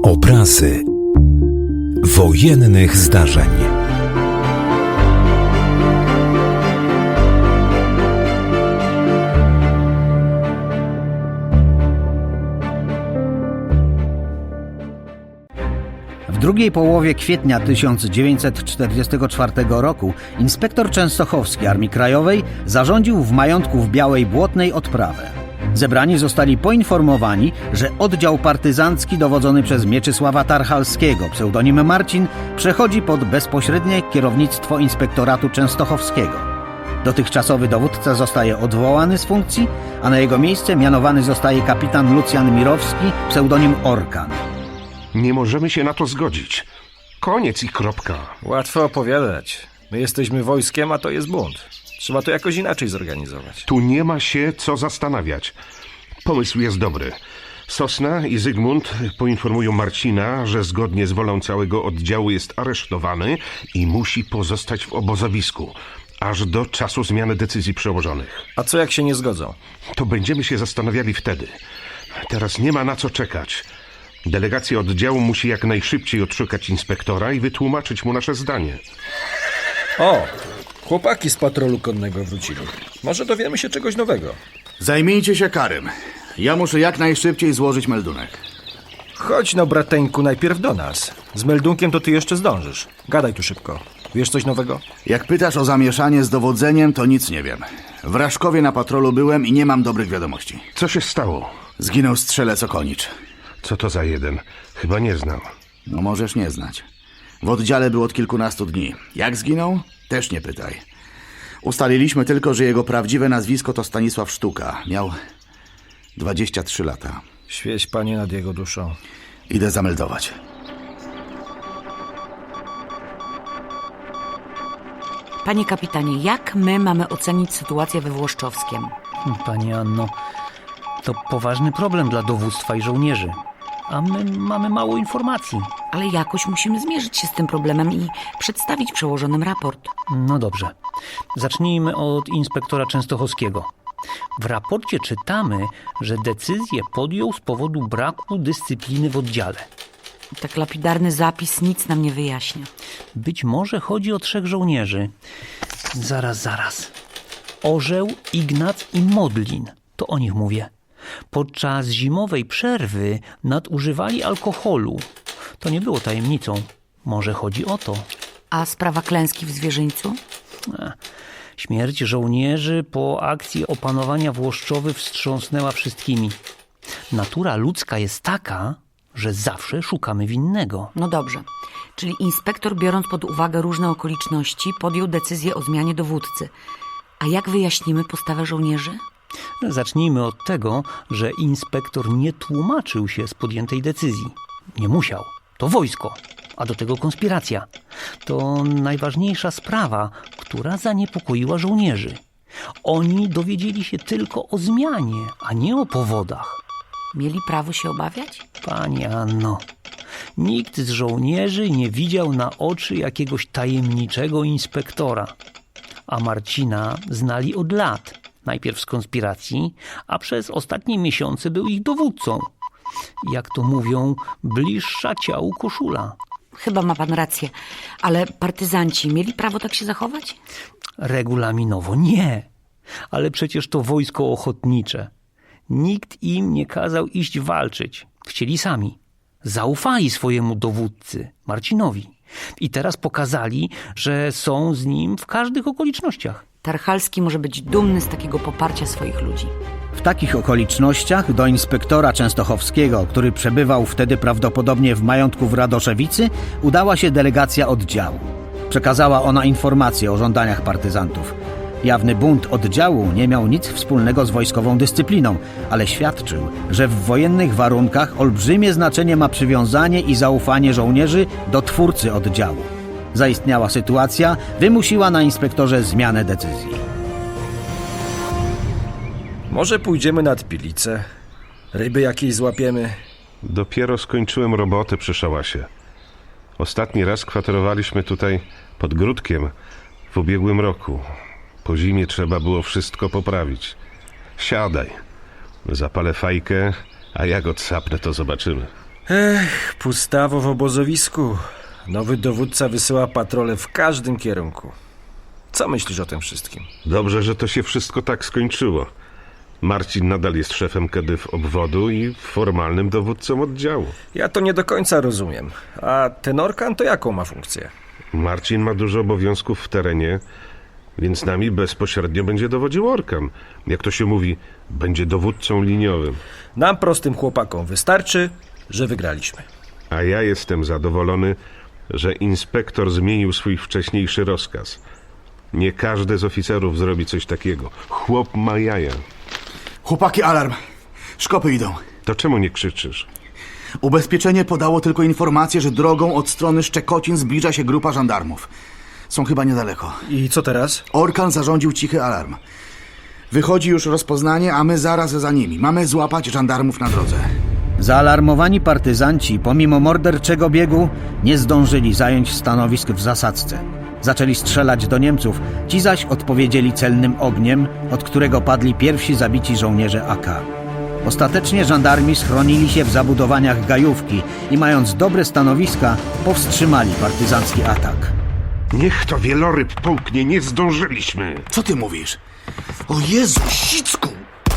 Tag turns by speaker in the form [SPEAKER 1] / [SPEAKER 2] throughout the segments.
[SPEAKER 1] Obrazy wojennych zdarzeń.
[SPEAKER 2] W drugiej połowie kwietnia 1944 roku inspektor Częstochowski Armii Krajowej zarządził w majątku w Białej Błotnej odprawę. Zebrani zostali poinformowani, że oddział partyzancki dowodzony przez Mieczysława Tarchalskiego, pseudonim Marcin, przechodzi pod bezpośrednie kierownictwo inspektoratu częstochowskiego. Dotychczasowy dowódca zostaje odwołany z funkcji, a na jego miejsce mianowany zostaje kapitan Lucjan Mirowski, pseudonim Orkan.
[SPEAKER 3] Nie możemy się na to zgodzić. Koniec i kropka.
[SPEAKER 4] Łatwo opowiadać. My jesteśmy wojskiem, a to jest bunt. Trzeba to jakoś inaczej zorganizować.
[SPEAKER 3] Tu nie ma się co zastanawiać. Pomysł jest dobry. Sosna i Zygmunt poinformują Marcina, że zgodnie z wolą całego oddziału jest aresztowany i musi pozostać w obozowisku, aż do czasu zmiany decyzji przełożonych.
[SPEAKER 4] A co jak się nie zgodzą?
[SPEAKER 3] To będziemy się zastanawiali wtedy. Teraz nie ma na co czekać. Delegacja oddziału musi jak najszybciej odszukać inspektora i wytłumaczyć mu nasze zdanie.
[SPEAKER 4] O! Chłopaki z patrolu konnego wrócili. Może dowiemy się czegoś nowego.
[SPEAKER 5] Zajmijcie się Karym. Ja muszę jak najszybciej złożyć meldunek.
[SPEAKER 4] Chodź no, brateńku, najpierw do nas. Z meldunkiem to ty jeszcze zdążysz. Gadaj tu szybko. Wiesz coś nowego?
[SPEAKER 5] Jak pytasz o zamieszanie z dowodzeniem, to nic nie wiem. W Raszkowie na patrolu byłem i nie mam dobrych wiadomości.
[SPEAKER 3] Co się stało?
[SPEAKER 5] Zginął strzelec Okonicz.
[SPEAKER 3] Co to za jeden? Chyba nie znam.
[SPEAKER 5] No możesz nie znać. W oddziale był od kilkunastu dni. Jak zginął? Też nie pytaj. Ustaliliśmy tylko, że jego prawdziwe nazwisko to Stanisław Sztuka. Miał 23 lata.
[SPEAKER 4] Świeć, Panie, nad jego duszą.
[SPEAKER 5] Idę zameldować.
[SPEAKER 6] Panie kapitanie, jak my mamy ocenić sytuację we Włoszczowskiem?
[SPEAKER 2] Pani Anno, to poważny problem dla dowództwa i żołnierzy, a my mamy mało informacji.
[SPEAKER 6] Ale jakoś musimy zmierzyć się z tym problemem i przedstawić przełożonym raport.
[SPEAKER 2] No dobrze. Zacznijmy od inspektora Częstochowskiego. W raporcie czytamy, że decyzję podjął z powodu braku dyscypliny w oddziale.
[SPEAKER 6] Tak lapidarny zapis nic nam nie wyjaśnia.
[SPEAKER 2] Być może chodzi o 3 żołnierzy. Zaraz. Orzeł, Ignac i Modlin. To o nich mówię. Podczas zimowej przerwy nadużywali alkoholu. To nie było tajemnicą. Może chodzi o to.
[SPEAKER 6] A sprawa klęski w Zwierzyńcu?
[SPEAKER 2] Śmierć żołnierzy po akcji opanowania Włoszczowy wstrząsnęła wszystkimi. Natura ludzka jest taka, że zawsze szukamy winnego.
[SPEAKER 6] No dobrze. Czyli inspektor, biorąc pod uwagę różne okoliczności, podjął decyzję o zmianie dowódcy. A jak wyjaśnimy postawę żołnierzy?
[SPEAKER 2] Zacznijmy od tego, że inspektor nie tłumaczył się z podjętej decyzji. Nie musiał. To wojsko, a do tego konspiracja. To najważniejsza sprawa, która zaniepokoiła żołnierzy. Oni dowiedzieli się tylko o zmianie, a nie o powodach.
[SPEAKER 6] Mieli prawo się obawiać?
[SPEAKER 2] Pani Anno, nikt z żołnierzy nie widział na oczy jakiegoś tajemniczego inspektora. A Marcina znali od lat. Najpierw z konspiracji, a przez ostatnie miesiące był ich dowódcą. Jak to mówią, bliższa ciału koszula.
[SPEAKER 6] Chyba ma pan rację. Ale partyzanci mieli prawo tak się zachować?
[SPEAKER 2] Regulaminowo nie. Ale przecież to wojsko ochotnicze. Nikt im nie kazał iść walczyć. Chcieli sami. Zaufali swojemu dowódcy, Marcinowi. I teraz pokazali, że są z nim w każdych okolicznościach.
[SPEAKER 6] Tarchalski może być dumny z takiego poparcia swoich ludzi.
[SPEAKER 2] W takich okolicznościach do inspektora Częstochowskiego, który przebywał wtedy prawdopodobnie w majątku w Radoszewicy, udała się delegacja oddziału. Przekazała ona informacje o żądaniach partyzantów. Jawny bunt oddziału nie miał nic wspólnego z wojskową dyscypliną, ale świadczył, że w wojennych warunkach olbrzymie znaczenie ma przywiązanie i zaufanie żołnierzy do twórcy oddziału. Zaistniała sytuacja wymusiła na inspektorze zmianę decyzji.
[SPEAKER 4] Może pójdziemy nad Pilicę? Ryby jakieś złapiemy?
[SPEAKER 3] Dopiero skończyłem robotę przy szałasie. Ostatni raz kwaterowaliśmy tutaj pod Gródkiem w ubiegłym roku. Po zimie trzeba było wszystko poprawić. Siadaj. Zapalę fajkę, a jak odsapnę, to zobaczymy.
[SPEAKER 4] Pustawo w obozowisku. Nowy dowódca wysyła patrole w każdym kierunku. Co myślisz o tym wszystkim?
[SPEAKER 3] Dobrze, że to się wszystko tak skończyło. Marcin nadal jest szefem KEDYW obwodu i formalnym dowódcą oddziału.
[SPEAKER 4] Ja to nie do końca rozumiem. A ten Orkan to jaką ma funkcję?
[SPEAKER 3] Marcin ma dużo obowiązków w terenie, więc nami bezpośrednio będzie dowodził Orkan. Jak to się mówi, będzie dowódcą liniowym.
[SPEAKER 4] Nam prostym chłopakom wystarczy, że wygraliśmy.
[SPEAKER 3] A ja jestem zadowolony, że inspektor zmienił swój wcześniejszy rozkaz. Nie każdy z oficerów zrobi coś takiego. Chłop ma jaja.
[SPEAKER 5] Chłopaki, alarm. Szkopy idą.
[SPEAKER 3] To czemu nie krzyczysz?
[SPEAKER 5] Ubezpieczenie podało tylko informację, że drogą od strony Szczekocin zbliża się grupa żandarmów. Są chyba niedaleko.
[SPEAKER 4] I co teraz?
[SPEAKER 5] Orkan zarządził cichy alarm. Wychodzi już rozpoznanie, a my zaraz za nimi. Mamy złapać żandarmów na drodze.
[SPEAKER 2] Zaalarmowani partyzanci, pomimo morderczego biegu, nie zdążyli zająć stanowisk w zasadzce. Zaczęli strzelać do Niemców, ci zaś odpowiedzieli celnym ogniem, od którego padli pierwsi zabici żołnierze AK. Ostatecznie żandarmi schronili się w zabudowaniach Gajówki i mając dobre stanowiska, powstrzymali partyzancki atak.
[SPEAKER 3] Niech to wieloryb połknie, nie zdążyliśmy.
[SPEAKER 5] Co ty mówisz? O Jezu, Sicku!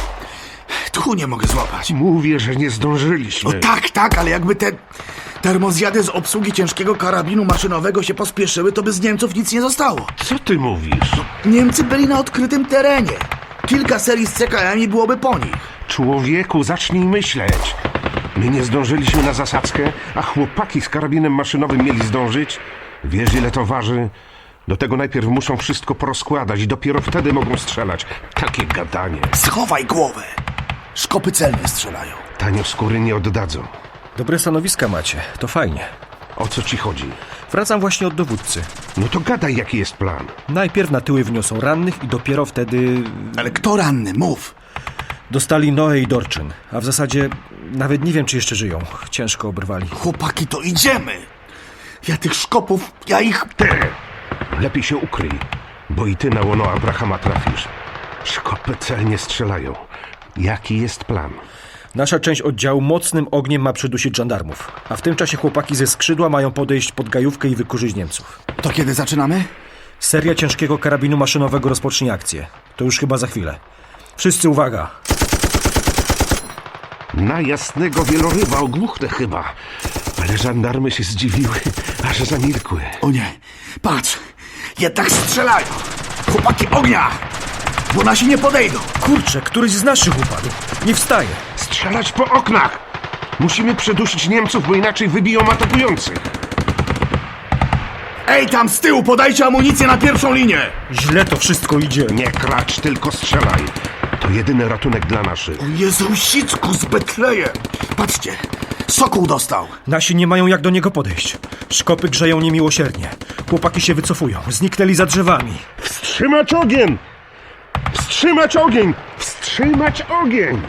[SPEAKER 5] Tchu nie mogę złapać.
[SPEAKER 3] Mówię, że nie zdążyliśmy.
[SPEAKER 5] O tak, ale jakby te termozjady z obsługi ciężkiego karabinu maszynowego się pospieszyły, to by z Niemców nic nie zostało.
[SPEAKER 3] Co ty mówisz?
[SPEAKER 5] Niemcy byli na odkrytym terenie. Kilka serii z CKM-i byłoby po nich.
[SPEAKER 3] Człowieku, zacznij myśleć. My nie zdążyliśmy na zasadzkę, a chłopaki z karabinem maszynowym mieli zdążyć. Wiesz, ile to waży? Do tego najpierw muszą wszystko porozkładać i dopiero wtedy mogą strzelać. Takie gadanie.
[SPEAKER 5] Schowaj głowę. Szkopy celnie strzelają.
[SPEAKER 3] Tanio skóry nie oddadzą.
[SPEAKER 4] Dobre stanowiska macie, to fajnie.
[SPEAKER 3] O co ci chodzi?
[SPEAKER 4] Wracam właśnie od dowódcy.
[SPEAKER 3] No to gadaj, jaki jest plan.
[SPEAKER 4] Najpierw na tyły wniosą rannych i dopiero wtedy
[SPEAKER 5] Ale kto ranny? Mów.
[SPEAKER 4] dostali Noe i Dorczyn. A w zasadzie nawet nie wiem, czy jeszcze żyją. Ciężko obrwali.
[SPEAKER 5] Chłopaki, to idziemy. Ja tych szkopów, ja ich...
[SPEAKER 3] Ty! Lepiej się ukryj, bo i ty na łono Abrahama trafisz. Szkopy celnie strzelają. Jaki jest plan?
[SPEAKER 4] Nasza część oddziału mocnym ogniem ma przydusić żandarmów. A w tym czasie chłopaki ze skrzydła mają podejść pod Gajówkę i wykurzyć Niemców.
[SPEAKER 5] To kiedy zaczynamy?
[SPEAKER 4] Seria ciężkiego karabinu maszynowego rozpocznie akcję. To już chyba za chwilę. Wszyscy uwaga!
[SPEAKER 3] Na jasnego wieloryba ogłuchnę chyba. Ale żandarmy się zdziwiły, aż zamilkły.
[SPEAKER 5] O nie, patrz. Jednak strzelają. Chłopaki, ognia! Bo nasi nie podejdą.
[SPEAKER 4] Kurczę, któryś z naszych upadł. Nie wstaje.
[SPEAKER 3] Strzelać po oknach! Musimy przedusić Niemców, bo inaczej wybiją atakujących.
[SPEAKER 5] Ej, tam z tyłu, podajcie amunicję na pierwszą linię.
[SPEAKER 4] Źle to wszystko idzie.
[SPEAKER 3] Nie klacz, tylko strzelaj. To jedyny ratunek dla naszych.
[SPEAKER 5] O Jezu, Sicku z Betlejem. Patrzcie, Sokół dostał.
[SPEAKER 4] Nasi nie mają jak do niego podejść. Szkopy grzeją niemiłosiernie. Chłopaki się wycofują. Zniknęli za drzewami.
[SPEAKER 3] Wstrzymać ogień! Wstrzymać ogień! Wstrzymać ogień!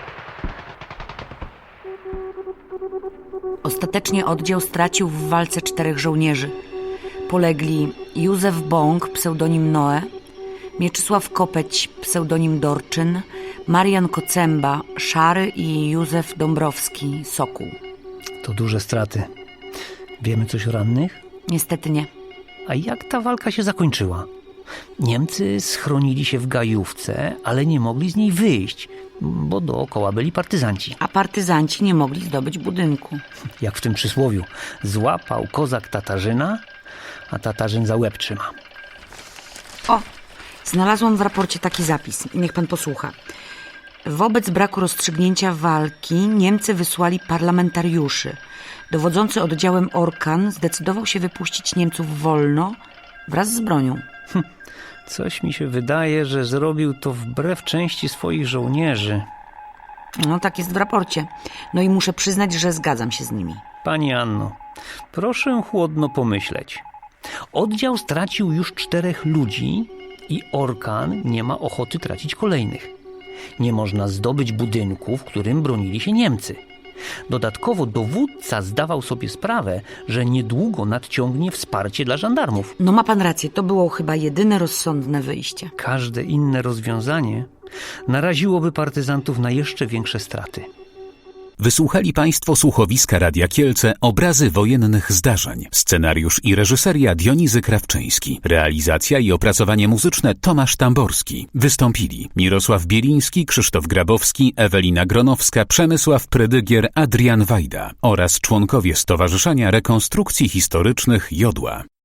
[SPEAKER 6] Ostatecznie oddział stracił w walce 4 żołnierzy. Polegli Józef Bąk, pseudonim Noe, Mieczysław Kopeć, pseudonim Dorczyn, Marian Kocemba, Szary i Józef Dąbrowski, Sokół.
[SPEAKER 1] To duże straty. Wiemy coś o rannych?
[SPEAKER 6] Niestety nie.
[SPEAKER 1] A jak ta walka się zakończyła? Niemcy schronili się w Gajówce, ale nie mogli z niej wyjść, bo dookoła byli partyzanci.
[SPEAKER 6] A partyzanci nie mogli zdobyć budynku.
[SPEAKER 1] Jak w tym przysłowiu. Złapał kozak Tatarzyna, a Tatarzyn za łeb trzyma.
[SPEAKER 6] O, znalazłam w raporcie taki zapis. Niech pan posłucha. Wobec braku rozstrzygnięcia walki Niemcy wysłali parlamentariuszy. Dowodzący oddziałem Orkan zdecydował się wypuścić Niemców wolno wraz z bronią.
[SPEAKER 1] Coś mi się wydaje, że zrobił to wbrew części swoich żołnierzy.
[SPEAKER 6] No tak jest w raporcie. No i muszę przyznać, że zgadzam się z nimi.
[SPEAKER 1] Pani Anno, proszę chłodno pomyśleć. Oddział stracił już 4 ludzi i Orkan nie ma ochoty tracić kolejnych. Nie można zdobyć budynku, w którym bronili się Niemcy. Dodatkowo dowódca zdawał sobie sprawę, że niedługo nadciągnie wsparcie dla żandarmów.
[SPEAKER 6] No ma pan rację, to było chyba jedyne rozsądne wyjście.
[SPEAKER 1] Każde inne rozwiązanie naraziłoby partyzantów na jeszcze większe straty.
[SPEAKER 7] Wysłuchali Państwo słuchowiska Radia Kielce Obrazy wojennych zdarzeń. Scenariusz i reżyseria Dionizy Krawczyński. Realizacja i opracowanie muzyczne Tomasz Tamborski. Wystąpili Mirosław Bieliński, Krzysztof Grabowski, Ewelina Gronowska, Przemysław Prydygier, Adrian Wajda oraz członkowie Stowarzyszenia Rekonstrukcji Historycznych Jodła.